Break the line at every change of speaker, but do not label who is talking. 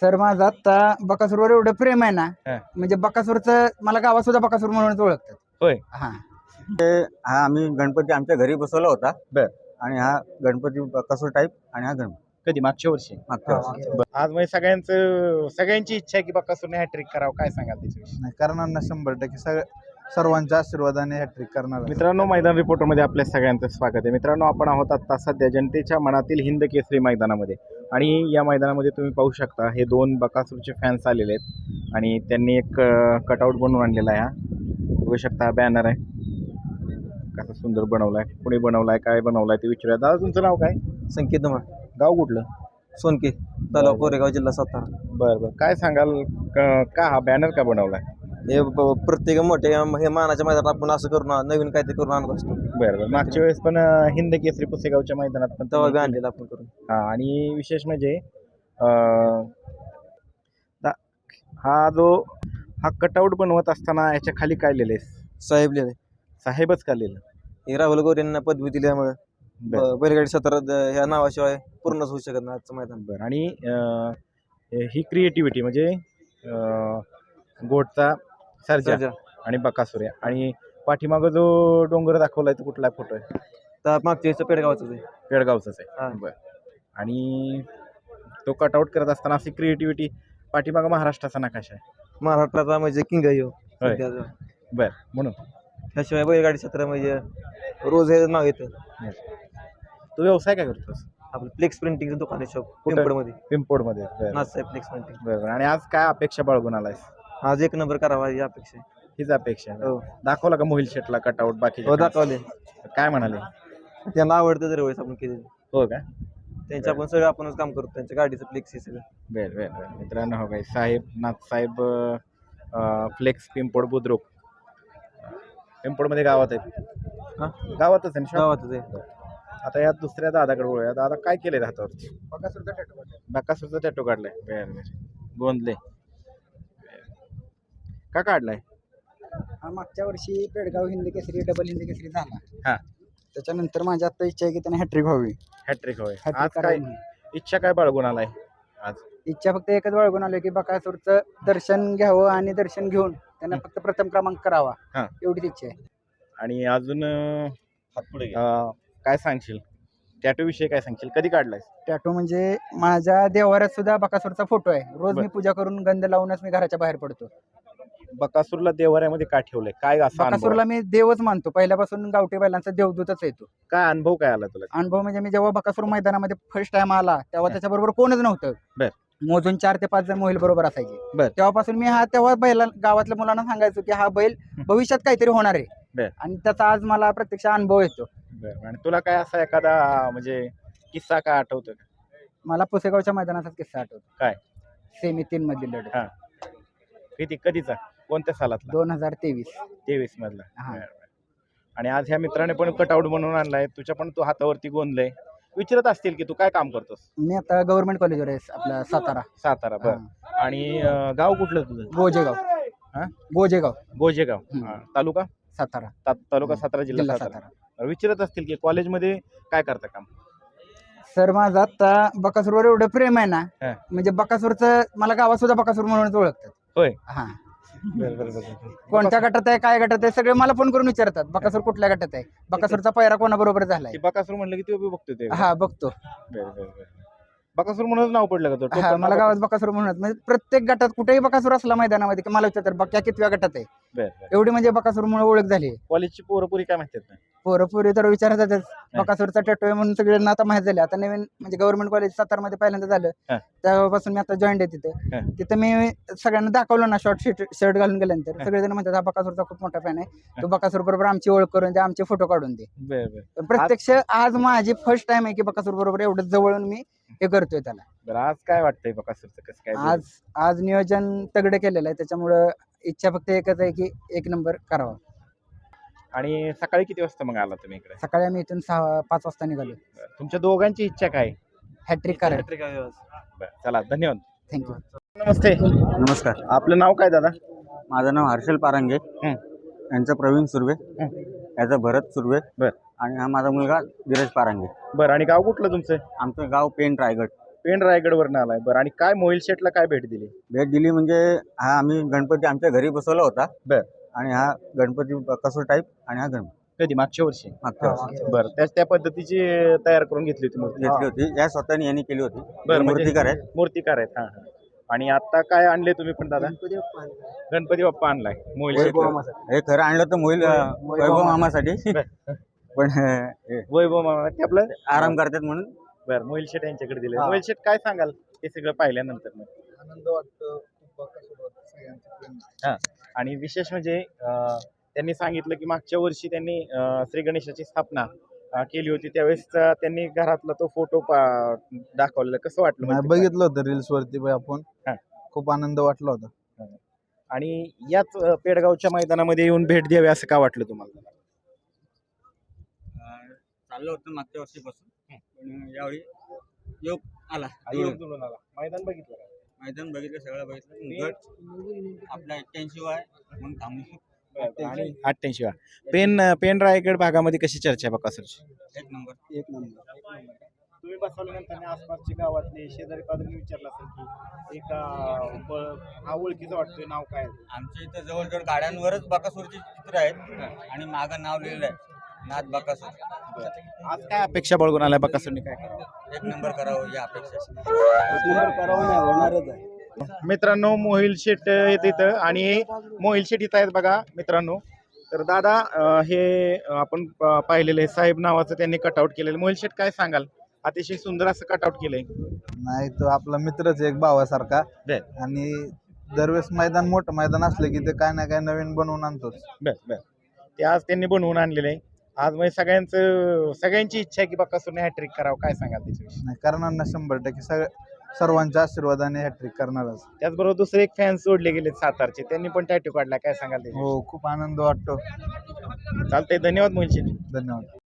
Sir माझं आता बकासूरवर एवढं प्रेम आहे ना,
हा.
म्हणजे बकासूरचं मला गावात सुद्धा बकासूर म्हणूनच ओळखतात.
होय.
हा
हा आम्ही गणपती आमच्या घरी बसवला होता.
बर.
आणि हा गणपती बकासूर टाईप आणि हा गणपती
कधी मागच्या वर्षी
मागच्या वर्षी.
आज म्हणजे सगळ्यांची इच्छा आहे की बकासूरने हॅट्रिक करावं. काय सांगाल त्याच्याविषयी?
नाही करणार ना 100% सर्वांच्या आशीर्वादाने हॅट्रिक करणार.
मित्रांनो, मैदान रिपोर्टरमध्ये आपल्या सगळ्यांचं स्वागत आहे. मित्रांनो, आपण आहोत आता सध्या जनतेच्या मनातील हिंद केसरी मैदानामध्ये आणि या मैदानामध्ये तुम्ही पाहू शकता हे दोन बकासूरचे फॅन्स आलेले आहेत आणि त्यांनी एक कटआउट बनवून आणलेला आहे. हा बघू शकता, हा बॅनर आहे. कसा सुंदर बनवलाय, कुणी बनवलाय, काय बनवलाय ते विचारूया. दादा, तुमचं नाव काय?
संकेत धुमाळ,
गाव कुठलं?
सोनके, तालुका कोरेगाव, जिल्हा सातारा.
बरं, काय सांगाल का हा बॅनर का बनवलाय?
हे प्रत्येक मोठे हे मानाच्या मैदानात आपण असं करून नवीन काहीतरी करून आणत असतो.
बरं, मागच्या वेळेस पण हिंद केसरी पुसेगावच्या मैदानात पण
तेव्हा बी आणलेलं आपण करून.
हा, आणि विशेष म्हणजे हा कटआउट बनवत असताना याच्या खाली काय लिहिलंय?
साहेब लिहिले,
साहेबच का लिहिलं?
हे राहुल गोरेंना पदवी दिल्यामुळे बैलगाडी सतरा ह्या नावाशिवाय पूर्णच होऊ शकत नाही आजचं मैदान.
बरं, आणि ही क्रिएटिव्हिटी म्हणजे गोटचा सर्जा आणि बकासूर आणि पाठीमागं जो डोंगर दाखवलाय तो कुठला फोटो आहे?
तर मागच्या वेळेस पेडगावचं आहे.
पेडगावचाच
हा.
आहे. बरं, आणि तो कटआउट करत असताना अशी क्रिएटिव्हिटी, पाठीमागं महाराष्ट्राचा नकाशा आहे.
महाराष्ट्राचा म्हणजे किंग आहे ह्यो.
होय. बरं, म्हणून
त्याशिवाय बैलगाडी सतरा म्हणजे रोज हे नाव येतं.
तू व्यवसाय काय करतोस?
आपलं फ्लेक्स प्रिंटिंगचं दुकान आहे, शॉप
कुठं?
पिंपळमध्ये.
पिंपोडमध्ये.
Nathsaheb flex printing.
बरं, आणि आज काय अपेक्षा बाळगून आलायस?
आज एक नंबर करावा ही अपेक्षा आहे.
हीच अपेक्षा आहे.
हो.
दाखवला का मोहिल शेटला कटआउट? बाकी
हो, दाखवले.
काय म्हणाले?
त्यांना आवडतं दरवेळेस आपण केलेलं.
हो का?
त्यांच्या आपण सगळं आपणच काम करतो, त्यांच्या गाडीचं फ्लेक्स हे सगळं.
बरं बरं बरं, मित्रांनो, हो काय, साहेब नाथसाहेब फ्लेक्स पिंपोड बुद्रुक पिंपोडमध्ये गावात आहेत.
हा,
गावातच आहे ना?
गावातच आहे.
आता यात दुसऱ्या दादाकडे बोलूया. दादा, काय केलंय हातावरती?
बकासूरचा टॅटू.
बकासूरचा टॅटू काढलाय. बरं बरं, गोंदले का काढलाय?
हा मागच्या वर्षी पेडगाव हिंद केसरी, डबल हिंद केसरी झाला.
हा.
त्याच्यानंतर माझी आता इच्छा आहे की त्याने हॅट्रिक व्हावी.
हॅट्रिक होय.
हॅट्रिक
आज काय
करावी.
इच्छा काय बाळगून आलाय आज?
इच्छा फक्त एकच बाळगून आलोय की बकासूरचं दर्शन घ्यावं आणि दर्शन घेऊन त्यांना फक्त प्रथम क्रमांक करावा,
हा.
एवढीच इच्छा आहे.
आणि अजून काय सांगशील टॅटू विषयी? काय सांगशील, कधी काढलाय?
टॅटू म्हणजे माझ्या देवाऱ्यात सुद्धा बकासूरचा फोटो आहे. रोज
बर.
मी पूजा करून गंध लावूनच मी घराच्या बाहेर पडतो.
बकासूरला देवाऱ्यामध्ये का ठेवलंय? काय असा अनुभव
बकासूरला मी देवच मानतो. पहिल्यापासून गावठी बैलांचा देवदूतच येतो.
काय अनुभव काय आला तुला?
अनुभव म्हणजे मी जेव्हा बकासूर मैदानामध्ये फर्स्ट टाइम आला तेव्हा त्याच्याबरोबर कोणच नव्हतं.
बर.
मोजून 4 ते 5 जण मोहिल बरोबर असायचे.
बर.
तेव्हापासून मी तेव्हा बैला गावातल्या मुलांना सांगायचो की हा बैल भविष्यात काहीतरी होणार आहे.
बर.
आणि त्याचा आज मला प्रत्यक्ष अनुभव येतो.
बरं, आणि तुला काय असा एखादा म्हणजे किस्सा काय आठवतो का?
मला पुसेगावच्या मैदानाचाच किस्सा आठवतो.
काय?
सेमी 3 मधील लढत.
हा. कधीचा, कोणत्या सालातला?
2023.
23 मधला.
हा.
बरं, बरं. आणि आज ह्या मित्राने पण कटआउट बनवून आणलाय, तुझ्या पण तू हातावरती गोंदलय. विचारत असतील की तू काय काम करतोस?
मी आता गव्हर्नमेंट कॉलेजवर आहे आपला
सातारा. बरं. आणि गाव कुठलं तुझं?
गोजेगाव.
हा?
गोजेगाव.
गोजेगाव. हा. तालुका
सातारा.
तालुका सातारा, जिल्हा सातारा. विचारत असतील की कॉलेजमध्ये काय करता काम?
सर माझं आता बकासूरवर एवढं प्रेम आहे ना,
हा.
म्हणजे बकासूरचं मला गावात सुद्धा बकासूर म्हणूनच ओळखतात.
होय.
हा.
बरं.
कोणत्या गटात आहे, काय गटात आहे, सगळे मला फोन करून विचारतात बकासूर कुठल्या गटात आहे, बकासूरचा पैरा कोणाबरोबर झालाय.
की बकासूर म्हणलं की तू बघतो ते?
हा, बघतो.
बरं. बकासूर म्हणून नाव पडलं का तो?
हा, मला गावात बकासूर म्हणून, म्हणजे प्रत्येक गटात कुठेही बकासूर असला मैदानामध्ये की मला विचारतात बक्या कितव्या गटात आहे.
बरं.
एवढी म्हणजे बकासूरमुळे ओळख झाली.
कॉलेजची पोरपुरी काय माहिती ना?
पोरं तर विचारतातच बकासूरचा टॅटू आहे म्हणून सगळ्यांना आता माहित झाले. आता नवीन म्हणजे गव्हर्नमेंट कॉलेज सातारमध्ये पहिल्यांदा झालं.
हा.
तेव्हापासून मी आता जॉईन आहे
हा.
तिथं मी सगळ्यांना दाखवलं ना शॉर्ट शर्ट घालून गेल्यानंतर सगळेजण म्हणतात हा बकासूरचा खूप मोठा फॅन आहे, तो बकासूर बरोबर आमची ओळख करून दे, आमचे फोटो काढून दे.
बरं.
पण प्रत्यक्ष आज माझी फर्स्ट टाइम आहे की बकासूर बरोबर एवढं जवळून मी हे करतोय त्याला.
बरं, आज काय वाटतंय बकासूरचं कसं काय?
आज नियोजन तगडं केलेलं आहे, त्याच्यामुळं इच्छा फक्त एकच आहे की 1 नंबर करावा.
आणि सकाळी किती वाजता मग आला तुम्ही इकडे?
सकाळी आम्ही इथून 5 वाजता निघालो.
तुमच्या दोघांची इच्छा काय?
हॅट्रिक करायला.
बरं, चला, धन्यवाद.
थँक्यू.
नमस्ते.
नमस्कार,
आपलं नाव काय दादा?
माझं नाव हर्षल पारांगे, यांचं प्रवीण सुर्वे, याचा भरत सुर्वे,
बर.
आणि हा माझा मुलगा धीरज पारांगे.
बरं, आणि गाव कुठलं तुमचं?
आमचं गाव पेण, रायगड.
पेण रायगडवरनं आलाय. बरं, आणि काय मोहिल शेटला काय भेट दिली?
भेट दिली म्हणजे हा आम्ही गणपती आमच्या घरी बसवला होता.
बर.
आणि हा गणपती कसं टाईप आणि हा गणपती
कधी मागच्या वर्षी?
मागच्या वर्षी
बरं, त्या पद्धतीची तयार करून घेतली होती मूर्ती?
घेतली होती. या स्वतःने यांनी केली होती.
बरं,
मूर्तिकार आहेत.
मूर्तिकार आहेत. हा हा. आणि आता काय आणले तुम्ही पण दादा? गणपती बाप्पा आणलाय मोहिल शेटला.
हे खरं आणलं तर मोहिल वैभव मामासाठी पण
वैभव मामा ते आपलं
आराम करतात म्हणून.
बरं, मोहिल शेट यांच्याकडे दिले. मोहिल शेट काय सांगाल हे सगळं पाहिल्यानंतर?
आनंद वाटतो.
हा, आणि विशेष म्हणजे त्यांनी सांगितलं की मागच्या वर्षी त्यांनी श्री गणेशाची स्थापना केली होती, त्यावेळेस त्यांनी घरातला तो फोटो दाखवलेला. कसं वाटलं?
नाही, बघितलं होतं रील्स वरती आपण.
हा.
खूप आनंद वाटला होता.
आणि याच पेडगावच्या मैदानामध्ये येऊन भेट द्यावी असं का वाटलं तुम्हाला?
चाललं होतं मागच्या वर्षीपासून, पण यावेळी योग आला.
मैदान बघितलं का?
मैदान बघितलं, सगळं बघितलं. गट आपला 81 आहे म्हणून थांबलो.
आणि 88 पेण रायगड भागामध्ये कशी चर्चा आहे बकासूरची?
एक नंबर.
तुम्ही बसवल्यानंतर आसपासची गावातले शेजारी पाजारी विचारलं असेल की एक हा ओळखीचं वाटतोय, नाव काय?
आमच्या इथं जवळजवळ गाड्यांवरच बकासूरची चित्र आहेत आणि मागं नाव लिहिलं आहे नाथ बकासूर.
आज काय अपेक्षा बाळगून आलाय बकासूरने? काय
एक नंबर करावं या अपेक्षा.
होणारच आहे.
मित्रांनो, मोहिल शेट येत इथं आणि मोहिल शेट इथं आहेत बघा मित्रांनो. तर दादा, हे आपण पाहिलेलं आहे साहेब नावाचं त्यांनी कटआउट केलेलं. मोहिल शेट काय सांगाल? अतिशय सुंदर असं कटआउट केलंय.
नाही, तो आपला मित्रच एक भावासारखा.
बर.
आणि दरवेळेस मैदान मोठं मैदान असलं की ते काय ना काय नवीन बनवून आणतोच.
बर. ते आज त्यांनी बनवून आणलेलं आहे. आज म्हणजे सगळ्यांची इच्छा आहे की बकासूरने हॅट्रिक करावं. काय सांगाल त्याच्याविषयी?
नाही, करणार ना 100%. सर्वांच्या आशीर्वादाने हॅट्रिक करणारच.
त्याचबरोबर दुसरे एक फॅन जोडले गेले सातारचे, त्यांनी पण टॅटू काढला. काय सांगाल त्याच्याविषयी?
हो, खूप आनंद वाटतो.
चालतंय, धन्यवाद मोहिल शेट.
धन्यवाद.